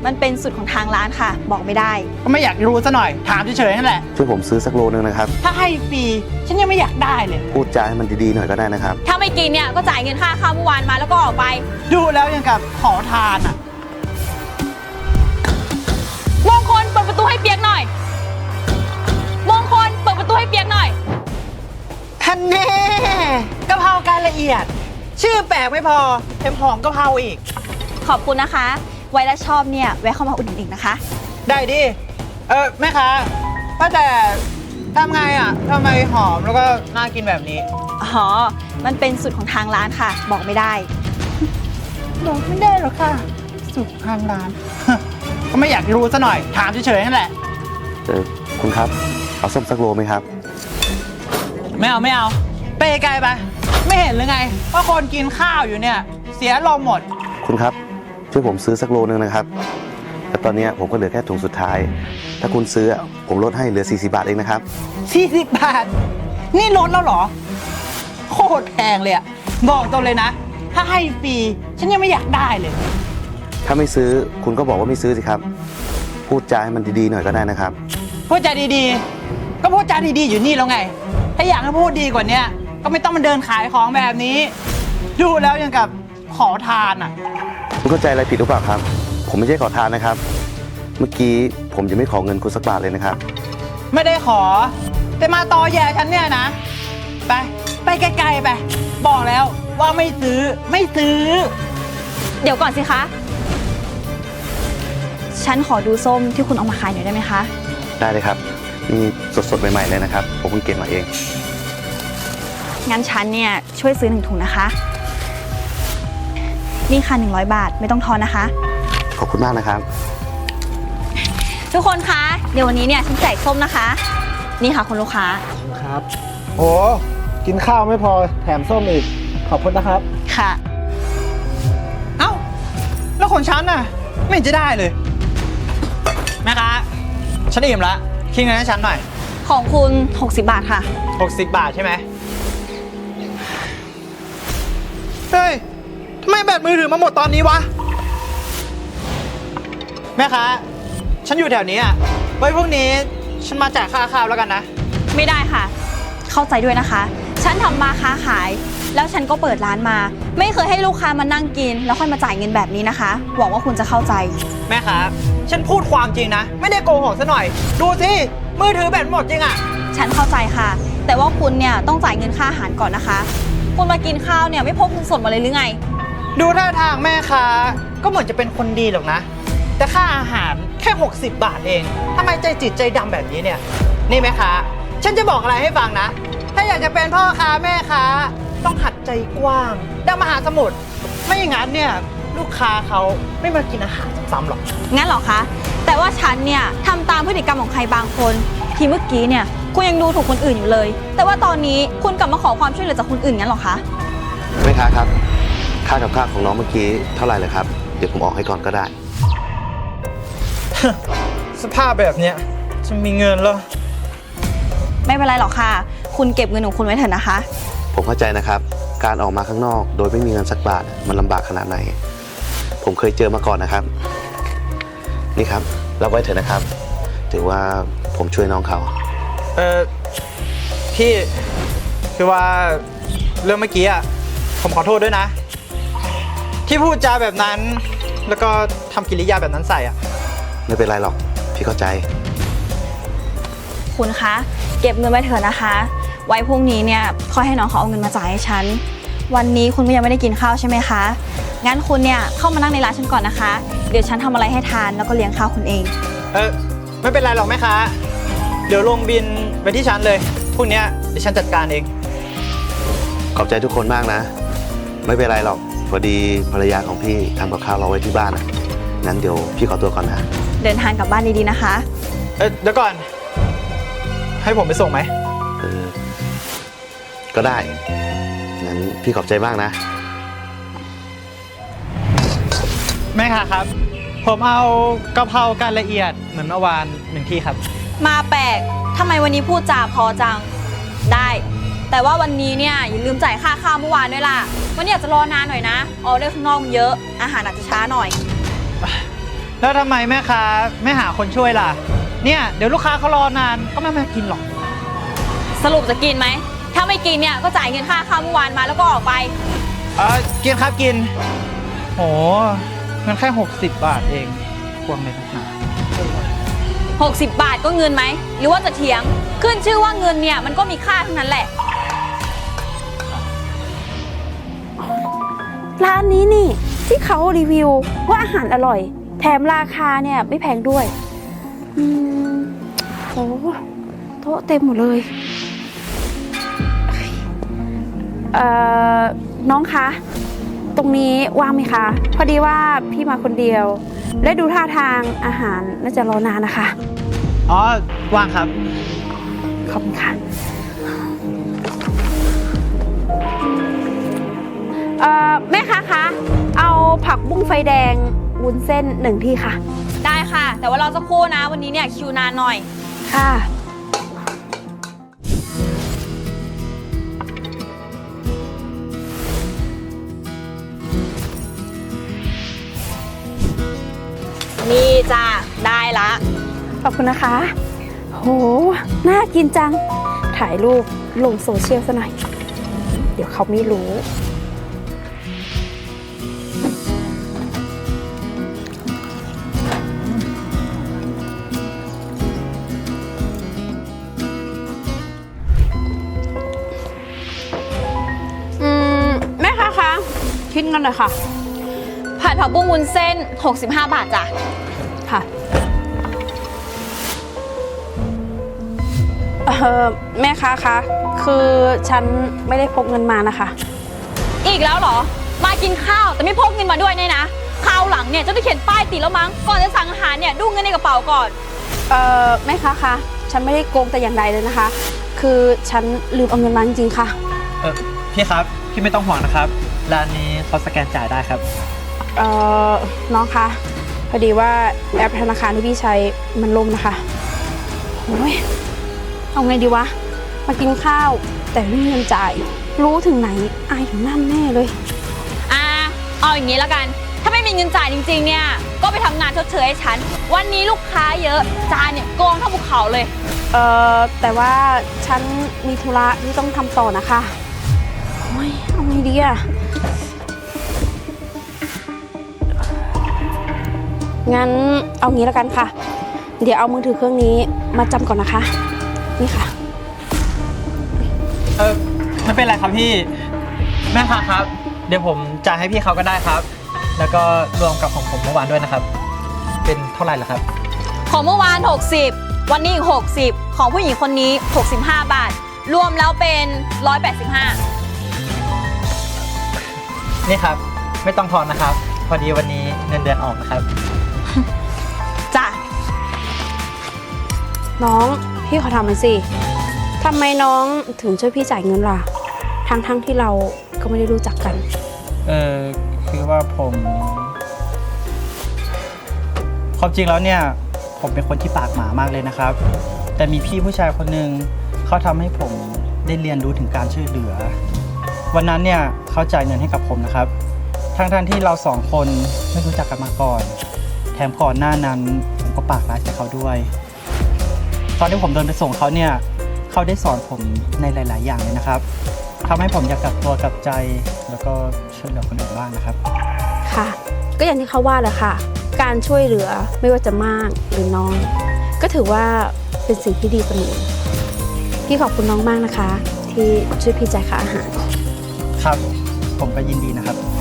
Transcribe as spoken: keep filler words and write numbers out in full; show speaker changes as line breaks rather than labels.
มันเป็นสูตรของทางร้านค่ะ บอกไม่ได้
ก็ไม่อยากรู้ซะหน่อยถามเฉยๆนั่นแหละ
ช่วยผมซื้อสักโลนึงนะครับ
ถ้าให้ฟรีฉันยังไม่อยากได้เลย
พูดจาให้มันดีๆหน่อยก็ได้นะครับ
ถ้าไม่กินเนี่ยก็จ่ายเงินค่าข้าวเมื่อวานมาแล้วก็ออกไป
ดูแล้วยังกับขอทานอ่ะ
มงคลเปิดประตูให้เปียกหน่อย มงคลเปิดประตูให้เปียกหน่อย
ฮันแน่กะเพราการละเอียด ชื่อแปลกไม่พอแถมหอมกะเพราอีก
ขอบคุณนะคะ ไว้แล้วชอบเนี่ยแวะเข้ามาอุดหนุนอีกนะคะ
ได้ดิ เออแม่ค้าว่าแต่ทำไงอ่ะทำไมหอมแล้วก็น่ากินแบบนี้
อ๋อ มันเป็นสูตรของทางร้านค่ะ บอกไม่ได้
บอกไม่ได้หรอกค่ะ สุกทางร้าน ก็ไม่อยากรู้ซะหน่อยถามเฉยๆนั่นแหละ
เออคุณครับ เอาส้มสักโลไหมครับ
ไม่เอาไม่เอา ไปไกลไป ไม่เห็นหรือไงว่าคนกินข้าวอยู่เนี่ย เสียลมณ์หมด
คุณครับ ช่วยผมซื้อสักโลนึงนะครับแต่ตอนนี้ผมก็เหลือแค่ถุงสุดท้าย ถ้าคุณซื้อผมลดให้เหลือสี่สิบบาทเองนะครับ
สี่สิบบาท นี่ลดแล้วเหรอ โคตรแพงเลยอะบอกตรงเลยนะ ถ้าให้ฟรีฉันยังไม่อยากได้เลย
ถ้าไม่ซื้อคุณก็บอกว่าไม่ซื้อสิครับ พูดจาให้มันดีๆหน่อยก็ได้นะครับ
พูดจาดีๆ ก็พูดจาดีๆอยู่นี่แล้วไง ถ้าอยากให้พูดดีกว่านี้ก็ไม่ต้องมาเดินขายของแบบนี้ ดูแล้วยังกับขอทานอ่ะ
คุณเข้าใจอะไรผิดหรือเปล่าครับ ผมไม่ใช่ขอทานนะครับ เมื่อกี้ผมจะไม่ขอเงินคุณสักบาทเลยนะครับ
ไม่ได้ขอ แต่มาตอแย่ฉันเนี่ยนะ ไป ไปไกลๆไป บอกแล้วว่าไม่ซื้อ ไม่ซื้อ
เดี๋ยวก่อนสิคะ ฉันขอดูส้มที่คุณเอามาขายหน่อยได้ไหมคะ
ได้เลยครับ นี่สดๆใหม่ๆเลยนะครับ ผมเพิ่งเก็บมาเอง
งั้นฉันเนี่ยช่วยซื้อหนึ่งถุงนะคะ นี่ค่ะหนึ่งร้อยบาทไม่ต้องทอนนะคะ
ขอบคุณมากนะครับ
ทุกคนคะ เดี๋ยววันนี้เนี่ยฉันแจกส้มนะคะ นี่ค่ะคุณลูกค้า
ครับโอ้กินข้าวไม่พอแถมส้มอีก ขอบคุณนะครับ
ค่ะ
เอ้า แล้วของฉันน่ะ ไม่เห็นจะได้เลย แม่ค้าฉันอิ่มละคิดเงินให้ฉันหน่อย
ของคุณหกสิบบาทค่ะ
หกสิบบาทใช่ไหมเฮ้ยทำไมแบตมือถือมาหมดตอนนี้วะ แม่ค้าฉันอยู่แถวนี้อ่ะ ไว้พวกนี้ฉันมาจ่ายค่าข้าวแล้วกันนะ
ไม่ได้ค่ะ เข้าใจด้วยนะคะ ฉันทำมาค้าขาย แล้วฉันก็เปิดร้านมา ไม่เคยให้ลูกค้ามานั่งกิน แล้วค่อยมาจ่ายเงินแบบนี้นะคะ หวังว่าคุณจะเข้าใจ
แม่ค้าฉันพูดความจริงนะ ไม่ได้โกหกซะหน่อย ดูสิ มือถือแบตหมดจริงอ่ะ
ฉันเข้าใจค่ะ แต่ว่าคุณเนี่ยต้องจ่ายเงินค่าอาหารก่อนนะคะ คุณมากินข้าวเนี่ยไม่พกเงินสดมาเลยหรือไง
ดูท่าทางแม่ค้าก็เหมือนจะเป็นคนดีหรอกนะ แต่ค่าอาหารแค่หกสิบบาทเองทำไมใจจิตใจดำแบบนี้เนี่ย นี่แม่ค้าฉันจะบอกอะไรให้ฟังนะ ถ้าอยากจะเป็นพ่อค้าแม่ค้าต้องหัดใจกว้างดังมหาสมุทรไม่อย่างนั้นเนี่ยลูกค้าเขาไม่มากินอาหารซ้ำๆหรอก
งั้นเหรอคะ แต่ว่าฉันเนี่ยทำตามพฤติกรรมของใครบางคน ที่เมื่อกี้เนี่ยคุณยังดูถูกคนอื่นอยู่เลย แต่ว่าตอนนี้คุณกลับมาขอความช่วยเหลือจากคนอื่นงั้นเหรอคะ
แม่ค้าครับ ค่ากับข้าวของน้องเมื่อกี้เท่าไหร่เลยครับ เดี๋ยวผมออกให้ก่อนก็ได้
สภาพแบบเนี้ยจะมีเงินเหรอ
ไม่เป็นไรหรอกค่ะ คุณเก็บเงินของคุณไว้เถอะนะคะ
ผมเข้าใจนะครับ การออกมาข้างนอก โดยไม่มีเงินสักบาทมันลำบากขนาดไหน ผมเคยเจอมาก่อนนะครับ นี่ครับรับไว้เถอะนะครับ ถือว่าผมช่วยน้องเขา
เออพี่คือว่าเรื่องเมื่อกี้อ่ะผมขอโทษด้วยนะ ที่พูดจาแบบนั้น แล้วก็ทำกิริยาแบบนั้นใส่อ่ะ
ไม่เป็นไรหรอก พี่เข้าใจ
คุณคะ เก็บเงินไว้เถอะนะคะ ไว้พรุ่งนี้เนี่ยค่อยให้น้องเขาเอาเงินมาจ่ายให้ฉัน วันนี้คุณก็ยังไม่ได้กินข้าวใช่ไหมคะ งั้นคุณเนี่ยเข้ามานั่งในร้านฉันก่อนนะคะ เดี๋ยวฉันทำอะไรให้ทานแล้วก็เลี้ยงข้าวคุณเอง
เออไม่เป็นไรหรอกแม่ค้าเดี๋ยวลงบินไปที่ฉันเลยพรุ่งนี้เดี๋ยวฉันจัดการเอง
ขอบใจทุกคนมากนะ ไม่เป็นไรหรอก พอดีภรรยาของพี่ทำกับข้าวเราไว้ที่บ้านนะงั้นเดี๋ยวพี่ขอตัวก่อนนะ
เดินทางกลับบ้านดีๆนะคะ
เออเดี๋ยวก่อน ให้ผมไปส่งไหม
เออ ก็ได้ งั้นพี่ขอบใจมากนะ
แม่ค้าครับ ผมเอากะเพราการละเอียดเหมือนเมื่อวานหนึ่งที่ครับ
มาแปลกทำไมวันนี้พูดจาพอจัง ได้ แต่ว่าวันนี้เนี่ยอย่าลืมจ่ายค่าข้าวเมื่อวานด้วยล่ะ วันนี้อาจจะรอนานหน่อยนะ ออเดอร์ข้างนอกมันเยอะ อาหารอาจจะช้าหน่อย
แล้วทำไมแม่ค้าไม่หาคนช่วยล่ะ เนี่ยเดี๋ยวลูกค้าเขารอนานก็ไม่มากินหรอก
สรุปจะกินไหม ถ้าไม่กินเนี่ยก็จ่ายเงินค่าข้าวเมื่อวานมาแล้วก็ออกไป
เออกินครับกินโหมันแค่หกสิบบาทเองควงเลยนะ
หกสิบบาทก็เงินไหม หรือว่าจะเถียง ขึ้นชื่อว่าเงินเนี่ยมันก็มีค่าทั้งนั้นแหละ
ร้านนี้นี่ที่เขารีวิวว่าอาหารอร่อย แถมราคาเนี่ยไม่แพงด้วยอืมโอ้โต๊ะเต็มหมดเลยเอ่อน้องคะตรงนี้ว่างไหมคะ พอดีว่าพี่มาคนเดียว และดูท่าทางอาหารน่าจะรอนานนะคะ
อ๋อว่างครับ
ขอบคุณค่ะเอ่อแม่ค้าคะเอาผักบุ้งไฟแดงวุ้นเส้นหนึ่งที่ค่ะ
ได้ค่ะ แต่ว่าเราจะครู่นะวันนี้เนี่ยคิวนานหน่อย
ค่ะ
นี่จ้าได้ละ
ขอบคุณนะคะ โห น่ากินจัง ถ่ายรูปลงโซเชียลซะหน่อย เดี๋ยวเขาไม่รู้ อืม แม่ค้าคะ คิดเงินหน่อยค่ะ
ผัดผักบุ้งวุ้นเส้นหกสิบห้าบาทจ้ะ
ค่ะ เออแม่ค้าคะ คือฉันไม่ได้พกเงินมานะคะ
อีกแล้วเหรอ มากินข้าวแต่ไม่พกเงินมาด้วยเนี่ยนะคราวหลังเนี่ยจะต้องเขียนป้ายติดแล้วมั้ง ก่อนจะสั่งอาหารเนี่ยดูเงินในกระเป๋าก่อน
เออแม่ค้าคะ ฉันไม่ได้โกงแต่อย่างใดเลยนะคะ คือฉันลืมเอาเงินมาจริงๆค่ะ
เออพี่ครับ พี่ไม่ต้องห่วงนะครับ ร้านนี้เขาสแกนจ่ายได้ครับ
เออน้องคะ พอดีว่าแอปธนาคารที่พี่ใช้มันล่มนะคะโอ้ยเอาไงดีวะ มากินข้าวแต่ไม่มีเงินจ่าย รู้ถึงไหนอายถึงนั่นแน่เลย
อ่า เอาอย่างนี้แล้วกัน ถ้าไม่มีเงินจ่ายจริงๆเนี่ย ก็ไปทำงานชดเชยให้ฉัน วันนี้ลูกค้าเยอะ จานเนี่ยโกงเท่าภูเขาเลย
เออแต่ว่าฉันมีธุระที่ต้องทำต่อนะคะโอ้ยเอาไงดีอะงั้นเอางี้แล้วกันค่ะ เดี๋ยวเอามือถือเครื่องนี้มาจำก่อนนะคะ นี่ค่ะ
เออไม่เป็นไรครับพี่ แม่ค้าครับ เดี๋ยวผมจ่ายให้พี่เขาก็ได้ครับ แล้วก็รวมกับของผมเมื่อวานด้วยนะครับ เป็นเท่าไหร่ล่ะครับ
ของเมื่อวานหกสิบวันนี้อีกหกสิบของผู้หญิงคนนี้หกสิบห้าบาท รวมแล้วเป็นหนึ่งร้อยแปดสิบห้า
นี่ครับ ไม่ต้องทอนนะครับ พอดีวันนี้เงินเดือนออกนะครับ
จ้ะ
น้องพี่ขอถามหน่อยสิทำไมน้องถึงช่วยพี่จ่ายเงินล่ะ ทั้งทั้งที่เราก็ไม่ได้รู้จักกัน
เออคือว่าผม ความจริงแล้วเนี่ย ผมเป็นคนที่ปากหมามากเลยนะครับ แต่มีพี่ผู้ชายคนหนึ่งเขาทำให้ผมได้เรียนรู้ถึงการช่วยเหลือ วันนั้นเนี่ยเขาจ่ายเงินให้กับผมนะครับ ทั้งท่านที่เราสองคนไม่รู้จักกันมาก่อน แถมก่อนหน้านั้นผมก็ปากร้ายใส่เขาด้วย ตอนที่ผมเดินไปส่งเขาเนี่ยเขาได้สอนผมในหลาย ๆ อย่างเลยนะครับทำให้ผมอยากกลับตัวกลับใจแล้วก็ช่วยเหลือคนอื่นบ้างนะครับ
ค่ะ ก็อย่างที่เขาว่าแหละค่ะ การช่วยเหลือไม่ว่าจะมากหรือน้อย ก็ถือว่าเป็นสิ่งที่ดีเสมอพี่ขอบคุณน้องมากนะคะ ที่ช่วยพี่จ่ายค่าอาหาร
ครับ ผมก็ยินดีนะครับ